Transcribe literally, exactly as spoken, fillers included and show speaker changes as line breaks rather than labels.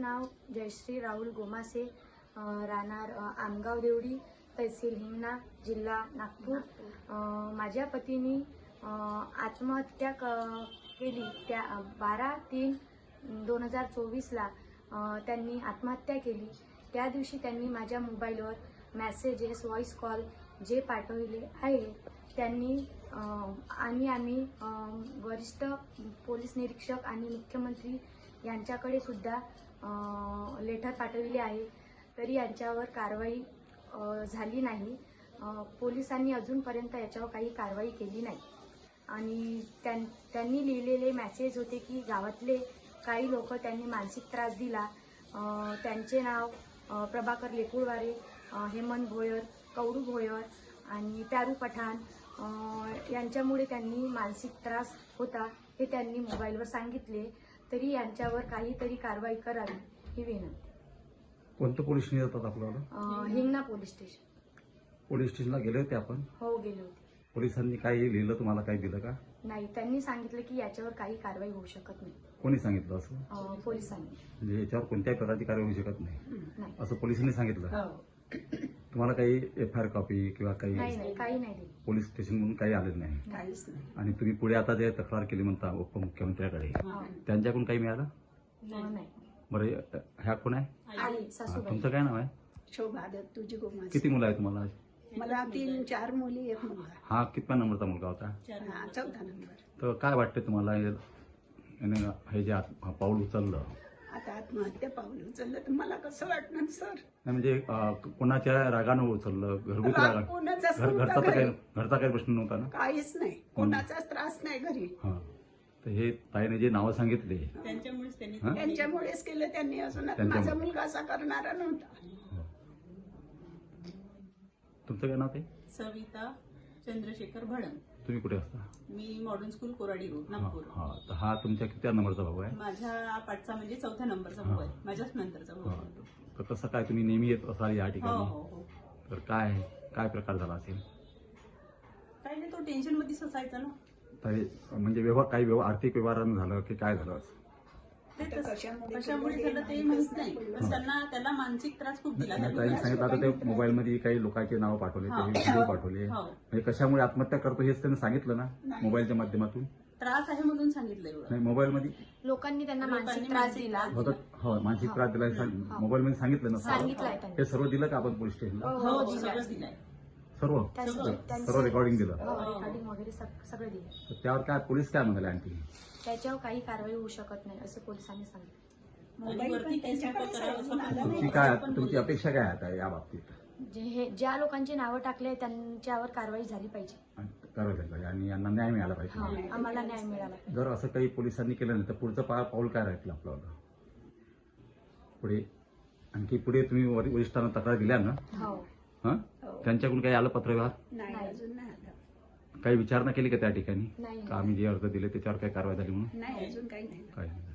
नाव जयश्री राहुल गोमासे, राहणार आमगाव देवडी, तहसील हिंगणा, जिल्हा नागपूर. माझ्या पतीने आत्महत्या केली त्या बारा तीन दोन हजार चोवीसला त्यांनी आत्महत्या केली. त्या दिवशी त्यांनी माझ्या मोबाईलवर मेसेजेस, व्हॉइस कॉल जे पाठवले आहे त्यांनी आणि आम्ही वरिष्ठ पोलीस निरीक्षक आणि मुख्यमंत्री यांच्याकडे सुद्धा लेटर पाठवले आहे, तरी यांच्यावर कारवाई झाली नाही. पोलिसांनी अजूनपर्यंत याच्यावर काही कारवाई केली नाही. आणि त्यां त्यांनी लिहिलेले मेसेज होते की गावातले काही लोक त्यांनी मानसिक त्रास दिला. त्यांचे नाव प्रभाकर लेकुळवारे, हेमंत भोयर, कवडू भोयर आणि प्यारू पठाण यांच्यामुळे त्यांनी मानसिक त्रास होता हे त्यांनी मोबाईलवर सांगितले, तरी यांच्यावर काहीतरी कारवाई करावी ही विनंती.
कोणतं पोलीस स्टेशन येतात आपल्याला?
Hingna police station.
पोलीस स्टेशनला गेले होते आपण?
हो, गेले होते.
पोलिसांनी काही लिहिलं, तुम्हाला काही दिलं का?
नाही, त्यांनी सांगितलं की याच्यावर काही कारवाई होऊ शकत नाही.
कोणी सांगितलं असं?
पोलिसांनी.
म्हणजे याच्यावर कोणत्याही प्रकारची कारवाई होऊ शकत नाही असं पोलिसांनी सांगितलं? तुम्हाला काही एफ आय आर कॉपी किंवा काही?
नाही, काही नाही.
पोलीस स्टेशन म्हणून काही आलेलं नाही?
काहीच नाही.
आणि तुम्ही पुढे आता जे तक्रार केली म्हणता उपमुख्यमंत्र्याकडे, त्यांच्याकडून काही मिळालं?
नाही.
बरं, ह्या कोण आहे? तुमचं काय नाव आहे?
शोभा दत्तूजी गोमासे.
किती मुलं आहे तुम्हाला?
मला तीन चार मुली, एक मुलगा.
हा कितव्या नंबरचा मुलगा होता?
चौथा नंबर.
तर काय वाटतं तुम्हाला याने हे जे पाऊल उचललं?
आता आत्महत्या पाऊल उचललं तर मला कसं वाटणार सर?
नाही म्हणजे कोणाच्या रागानं उचललं? घरगुती रागा?
कोणाचाच
घरचा
नव्हता
तर काही
घरी.
घरचा काही प्रश्न नव्हता ना?
काहीच नाही, कोणाचाच त्रास नाही घरी.
हा, तर हे ताईने जे नावं सांगितले
त्यांच्यामुळेच त्यांनी
हा?
त्यांच्यामुळेच केलं त्यांनी. अजून
त्यांच्यामुळे.
माझा मुलगा असा करणारा नव्हता.
तुमचं काय नाव ते?
सविता चंद्रशेखर भडंग.
तुम्ही कुठे असता?
मी मॉडर्न स्कूल कोराडी रोड,
हा,
नागपूर.
हा. तर हा तुमच्या किती नंबरचा भाऊ आहे?
माझ्या पाठचा म्हणजे चौथ्या नंबरचा भाऊ आहे, माझ्याच नंतरचा भाऊ
हा.
आहे.
तर कसं काय तुम्ही नेहमी येत असाल या
हो
ठिकाणी?
हो हो.
तर काय काय प्रकार झाला असेल?
काही नाही, तो टेन्शन मध्येच असायचा ना.
तर म्हणजे व्यवहार काही व्यवहार आर्थिक व्यवहारानं झालं की काय झालं?
ते
आता
तसं-
कशामुळे
कशामुळे झालं ते माहित नाही, पण त्यांना त्याला मानसिक त्रास खूप दिला.
नाही, ताईने सांगितलं आता ते मोबाईलमध्ये काही लोकांचे नाव पाठवले,
हा.
काही व्हिडिओ पाठवले.
हो.
म्हणजे कशामुळे आत्महत्या करतो हेच त्यांनी सांगितलं ना मोबाईलच्या माध्यमातून?
त्रास आहे म्हणून सांगितलं एवढं.
नाही, मोबाईलमध्ये
लोकांनी त्यांना
लोकांनी
मानसिक त्रास
मानसिक
दिला.
त्रास
होतं. हो, मानसिक त्रास दिला मोबाईलमध्ये सांगितलं ना?
सांगितलंय त्यांनी.
हे सर्व दिलं का आपण पोलीस स्टेशनला?
हो, सगळंच दिलंय.
सर्व
त्यांचं- त्यांचं-
सर्व रेकॉर्डिंग दिलं?
हो, रेकॉर्डिंग वगैरे सग- सगळं दिलं.
तर त्यावर काय पोलीस काय म्हणाले आणखी?
त्याच्यावर काही कारवाई होऊ शकत नाही असं पोलिसांनी सांगितलं.
आणि वरती केस नको करावं असं म्हणलं.
तुमची काय तुमची अपेक्षा काय आता या बाबतीत?
जे हे ज्या लोकांची नावं टाकले त्यांच्यावर कारवाई झाली पाहिजे.
आणि करावं पाहिजे आणि यांना न्याय मिळाला पाहिजे.
हा, आम्हाला न्याय मिळाला.
जर असं काही पोलिसांनी केलं नाही तर पुढचं पा पाऊल काय राहील आपल्याला पुढे? आणखी पुढे तुम्ही वर- वरिष्ठांना तक्रार दिल्या ना?
हो.
हा, त्यांच्याकडून काही आलं पत्रव्यवहार?
नाही,
नाही.
अजून नाही आलं.
काही विचारणा केली का त्या ठिकाणी
नाही.
का आम्ही जे अर्ज दिले त्याच्यावर काही कारवाई झाली म्हणून?
नाही, अजून काही नाही.
काय